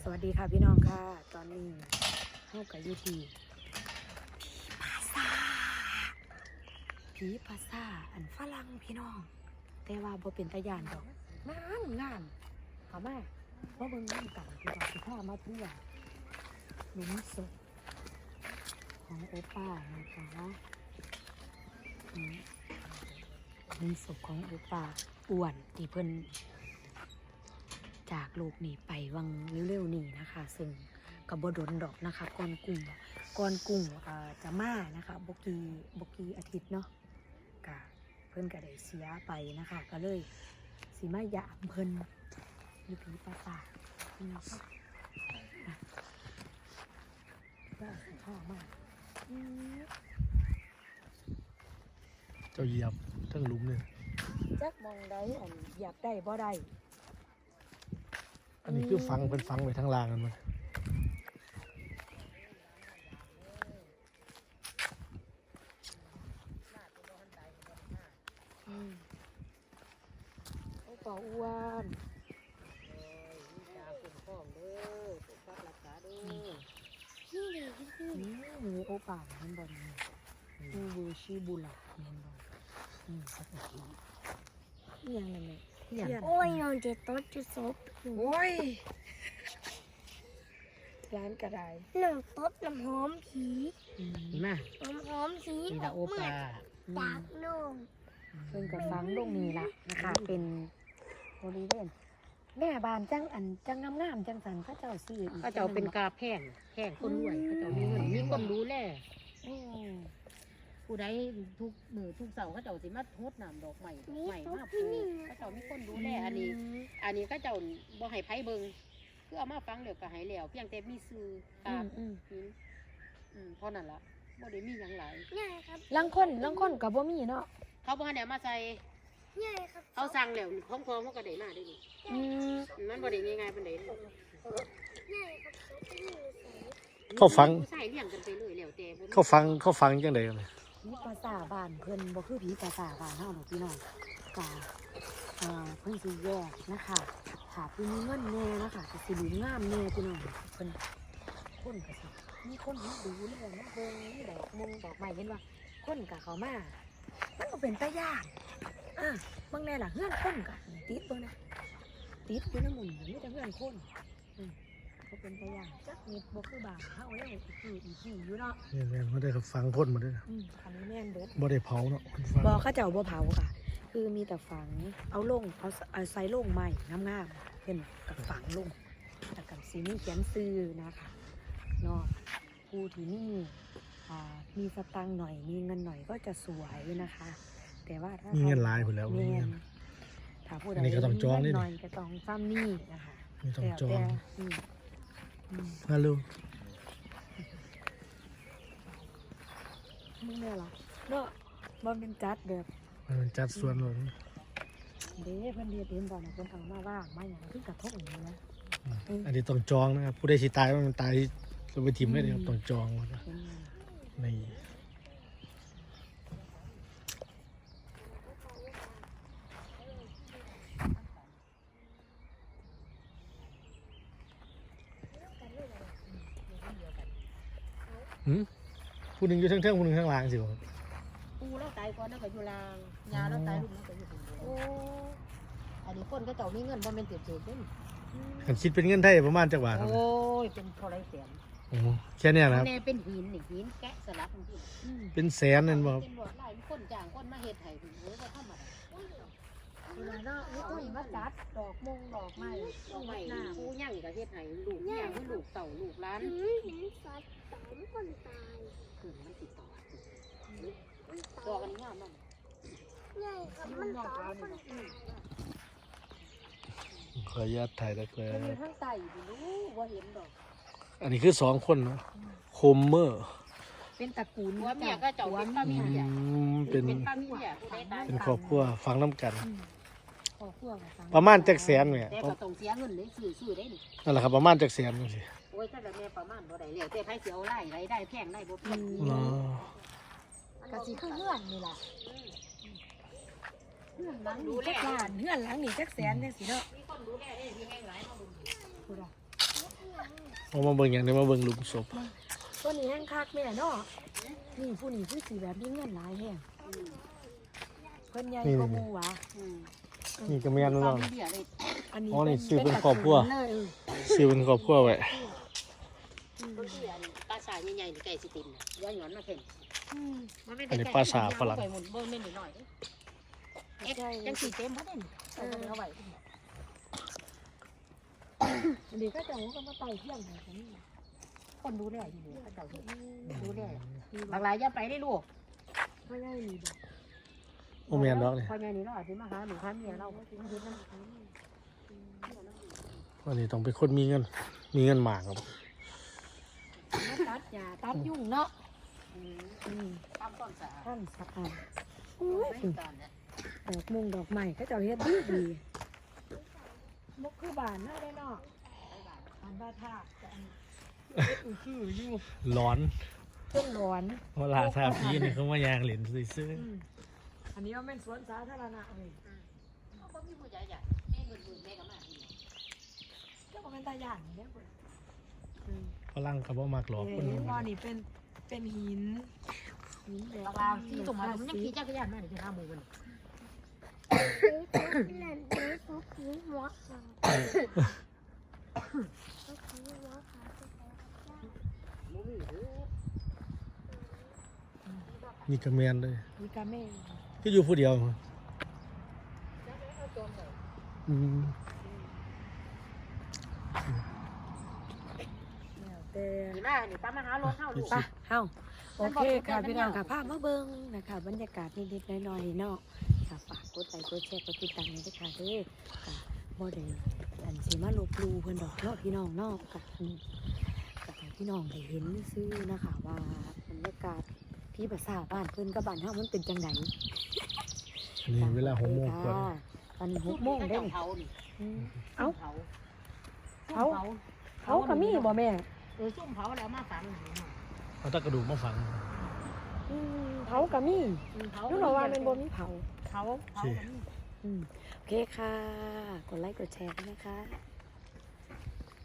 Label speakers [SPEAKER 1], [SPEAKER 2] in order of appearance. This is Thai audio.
[SPEAKER 1] สวัสดีค่ะพี่น้องค่ะตอนนี้เข้ากับยูทีผีภาษาอันฝรั่งพี่น้องแต่ว่าบ่เป็นตาย่านดอกงามเขามาเพราะเบิ่งน้ำกันพี่น้องสิพามาเที่ยวหลุมศพของโอป้านะคะหลุมศพของโอป้าอ้วนที่เพิ่นจากโลกนี้ไปวังเร็วๆนี้นะคะซึ่งกับบดลดอกนะคะก่อนกุ้งจะมานะคะบกีอาทิตย์เนาะกะเพิ่นก็ได้เสียไปนะคะก็เลยสิมาหยามเพิ่นมีผีปราสาทนะคะก็ชอบมาก
[SPEAKER 2] เจ้าเหยียบทั้งหลุมเลย
[SPEAKER 1] จักมองได้อันอยากได้บ่ได้
[SPEAKER 2] อันนี้คือฟังเป็นฟังไว้ทั้งรางกันมั้ย
[SPEAKER 1] โอ้ป่าอ้วนนี่โอป่าเห็นบ่นี่บูชิบุระเห็นบ่สักทีนี่ยังนั่นแหละ
[SPEAKER 3] โอ้ยนอนเจ็บต้นจะซบ
[SPEAKER 1] โอ้ยร้านกระได
[SPEAKER 3] หนึ่งต้นน้ำหอมผี
[SPEAKER 1] มา
[SPEAKER 3] น้ำหอมผี
[SPEAKER 1] นี่ละโอปา
[SPEAKER 3] จากโน่น
[SPEAKER 1] เพิ่นกับฟังลงนี้ละนะคะเป็นบริเวณแม่บานจังงามจังสันพระเจ้าซื้ออีก
[SPEAKER 4] เขาเจ้าเป็นกาแพงคนรวยเขาเจ้ามีเงินมีคนดูแลผู้ใดทุกมือทุกเสาร์เขาเจ้าสิมาโทษน้ำดอกใหม่มาปลูกเขาเจ้ามีคนดูแลอันนี้เขาเจ้าบ่ให้ไผเบิ่งคือเอามาฟังเดี๋ยวก็ให้แล้วเพียงแต่มีซื้อกาบเพราะนั่นล่ะบ่ได้มีหยังหลาย
[SPEAKER 1] ลังคนกับบ่มีเนาะ
[SPEAKER 4] เขาบ่ให้เอามาใส่เขาสั่งแล้วพร้อมๆเขาก็ได้มาได้นี่มันบ่ได้ง่ายๆปานใด
[SPEAKER 2] เขาฟัง
[SPEAKER 4] ใส่เลี้ยงกันไปเลยแล้วแต่
[SPEAKER 2] เขาฟังจังได๋กัน
[SPEAKER 1] ผีภาษาบ้านเพิ่นบ่คือผีภาษาบ้านเฮาดอกพี่น้องกะเพิ่นสิแยกนะคะถ้าผู้มีเงินแน่นะคะก็สิดูงามแน่พี่น้องเพิ่นคนก็สิมีคนมาดูแลมาเบิ่งมีดอกไม้เห็นว่าคนก็เข้ามามันก็เป็นตาย่านบางแน่ล่ะเฮือนคนก็ติดเบิ่งนะติดอยู่นำหมู่มีแต่เฮือนคนก็เป็นตาย่านจักนิดบ่คือบ้านเฮาแล้วคืออีที่อยู่เนาะ
[SPEAKER 2] แม่นบ่ได้ฟังคนมาด้วยนะ
[SPEAKER 1] อันนี้แม่นเบิด
[SPEAKER 2] บ่ได้เผาเนาะ
[SPEAKER 1] บ่เขาเจ้าบ่เผาค่ะคือมีแต่ฝังเอาใส่โล่งใหม่งามๆเพิ่นกับฝังลงแต่กับสีนี้เขียนซื้อนะคะเนาะผู้ที่มีสตังค์หน่อยมีเงินหน่อยก็จะสวยนะคะแต่ว่าถ้า
[SPEAKER 2] มีเงินหลายพุ่นแล้วมีเงิน
[SPEAKER 1] ถ้าผู้ใดมีเงินหน่อยก็ต้องซ้ำนี่นะคะ
[SPEAKER 2] มีต้องจองฮัลโหล
[SPEAKER 1] มึงแม่ล่ะเนาะมันเป็นจัดแบบ
[SPEAKER 2] มันจัดส่วนเลย
[SPEAKER 1] เด้เพิ่นเฮ็ดเองบ่น่ะเพิ่นเอามาว่างมาหยังคือกระทงนี่นะ
[SPEAKER 2] อันนี้ต้องจองนะครับผู้ใดสิตายมันตายเราไปถิ่มได้เด้ต้องจองนี่ผู้หนึ่งอยู่เทิงๆผู้หนึ่งข้างล่างสิครับ
[SPEAKER 4] ปูแล้วตายก่อนแล้วก็อยู่ล่างยาแล้วตายลูกแล้วก็อยู่ข้างบนโอ้อันนี้คนก็เจ้ามีเงินบ่แม่นเจ็บๆเด้
[SPEAKER 2] คันคิดเป็นเงินไทยประมาณจักบาทครับ
[SPEAKER 4] โอ้ยเป็นเท่าไรแสน
[SPEAKER 2] โอ้แค่นี้นะครับ
[SPEAKER 4] แน่เป็นหินนี่หินแกะสลักจริง
[SPEAKER 2] เป็นแสนนั่นบ่ครับ
[SPEAKER 4] เป็นบ่หลายคนจ้างคนมาเฮ็ดให้โอ้ยบ่ธรรมดา
[SPEAKER 1] เวลาเนาะนี่ก็มาจัดดอกไม้
[SPEAKER 4] ผู้ย่างก็เฮ็ดให้ลูกย่างให้ลูกเต่าลูกหลาน
[SPEAKER 3] เห็นสัตว์คนตาย
[SPEAKER 4] คือมันติดต่อดอกอันนี้งามมาก
[SPEAKER 3] ใหญ่ครับมันตายคน
[SPEAKER 2] ขออนุญาตถ่ายแล้วก็
[SPEAKER 1] มันข้างใต้อยู่รู้ว่าเห็นดอก
[SPEAKER 2] อันนี้คือ2คนเนาะโคมเมอร์
[SPEAKER 1] เป็นตระกูล
[SPEAKER 4] หัวเมียก็เจ้าเป็นป้าเมีย
[SPEAKER 2] เป็น
[SPEAKER 4] ป้าเมียผู้ใดตาย
[SPEAKER 2] เป็นครอบครัวฟังน้ำกัน
[SPEAKER 1] ครอบครัว
[SPEAKER 2] ประมาณจักแสนเนี่ย
[SPEAKER 4] แต่ก็ต้องเสียเงินเลยซื้อได้นี่
[SPEAKER 2] นั่นแหละครับประมาณจักแสนจังซี่
[SPEAKER 4] โอ้ยถ้าแบบแม่ประมาณบ่ได้แล้วแต่ไผสิเอาไล่ได้แพงได้บ่แพง
[SPEAKER 1] ก็สิคือเฮือนนี่ล่ะเฮือนหลังนี่จักล้านเฮือนหลังนี่จักแสนจังซี่เนาะ
[SPEAKER 4] มีคนดูแลได้ที่แห้งหลายเฮาดู
[SPEAKER 1] พูดอ่ะ
[SPEAKER 2] เอามาเบิ่งอย่างนี้มาเบิ่งหลุมศพ
[SPEAKER 1] ตัวนี้แห้งคักแม่เนาะนี่ผู้นี้คือสีแบบนี้เงินหลายแห้งเพิ่นใหญ่กว่าหมู่หวะ
[SPEAKER 2] นี่ก็แม่น
[SPEAKER 4] ตอ
[SPEAKER 2] เนาะ
[SPEAKER 4] นนี้เบี้ยเลย
[SPEAKER 1] อันนี้
[SPEAKER 2] อ๋อนี่ซื้อเป็นครอบครัว
[SPEAKER 1] เลย
[SPEAKER 2] ซื้อเป็นครอบครัวไว้
[SPEAKER 4] ต้นเบี้ยนี่ปลาสายใหญ่ๆนี่ไก่สิติมน่ะย้อนหย่อนมาเพิ่น
[SPEAKER 2] อันนี้ปลาสาฝรั่ง
[SPEAKER 4] ไปหมุนเบิ่งแม่นหน่อยเอ๊ะจังสิเต็มบ่ได้นี่เอาไว้
[SPEAKER 1] อันนี้ก็จะว่ากันมาไต่เที่ยงไหนกันนี่
[SPEAKER 4] คนดูแลอยู่นี่เขาเจ้าดูแลบางรายอย่าไปได้ลูก
[SPEAKER 1] ไม่ได้มีแบบ
[SPEAKER 2] โอ้แม่นดอกนี่
[SPEAKER 4] พอใหญ่นี่เราอาจสิมาหาหนูหาเมียเรามาเฮ็ดนำ
[SPEAKER 2] วันนี้ต้องเป็นคนมีเงินมากครับ
[SPEAKER 1] มาตัดหญ้าตัดยุ่งเนาะ
[SPEAKER 4] ตามต้นสา
[SPEAKER 1] ท่านสะอาดอุ้ย
[SPEAKER 4] ตอนนี้
[SPEAKER 1] ดอกมุงดอกไม้ก็จะเฮ็ดดีดีมุกคือบานน่าได้เนาะบานบ้าท่าแต่อันคืออยู่
[SPEAKER 2] ร้อน
[SPEAKER 1] เครื่องร้อน
[SPEAKER 2] เวลาทาพี่นี่เขามายางเหรียญซื้อ
[SPEAKER 1] อันนี้ว่าเป็นสวนสาธารณะเลย
[SPEAKER 4] บ่มีผู้ใหญ่ใหญ่แม่เงินแม่ก็มา
[SPEAKER 1] เจ้าก็เป็นตาย่านเนี่ยเพิ่น
[SPEAKER 2] ฝรั่งเขาบ่มักหรอกคน
[SPEAKER 1] เห็นบ่นี่เป็นหินแบบ
[SPEAKER 4] บางรายที่ตรงมามันยังขี่จักรยานมานี่คือ5โมงมัน
[SPEAKER 3] เล่นเล่นทุกทีหัวขาทุกทีหัวขา
[SPEAKER 4] บ่มีเด้อ
[SPEAKER 2] นี่ก็แม่นเลย
[SPEAKER 1] มีกาเม่
[SPEAKER 2] ก็อยู่ผู้เดียวอืม
[SPEAKER 1] แล้วแต่
[SPEAKER 4] นี่มานี่ตามมาหารถเฮาลูก
[SPEAKER 1] ไปเฮาโอเคค่ะพี่น้องค่ะภาพมาเบิ่งนะคะบรรยากาศนิดๆหน่อยๆเนาะค่ะฝากกดไลค์กดแชร์กดติดตามด้วยค่ะเด้อค่ะบ่ได้อันสิมาลบหลู่เพิ่นดอกเนาะพี่น้องเนาะกับให้พี่น้องได้เห็นซื่อนะคะว่าบรรยากาศที่ภาษาบ้านเพิ่นกับบ้านเฮามันเป็นจังได
[SPEAKER 2] อันนี้เวลา6 โมงกว่า
[SPEAKER 1] ตอนนี้6 โมงได้
[SPEAKER 4] เผานี่
[SPEAKER 1] เอ้า
[SPEAKER 4] เผา
[SPEAKER 1] เขาก็มีบ่แม่
[SPEAKER 4] ซุ่มเผาแล้วมาฝัง
[SPEAKER 2] เอาตะกระดูกมาฝัง
[SPEAKER 1] เผาก็มี
[SPEAKER 4] เผา
[SPEAKER 1] นึกว่าว่าเป็นบ่มีเผา
[SPEAKER 4] เผา
[SPEAKER 2] โอเค
[SPEAKER 1] โอเคค่ะ กดไลค์กดแชร์ด้วยนะคะ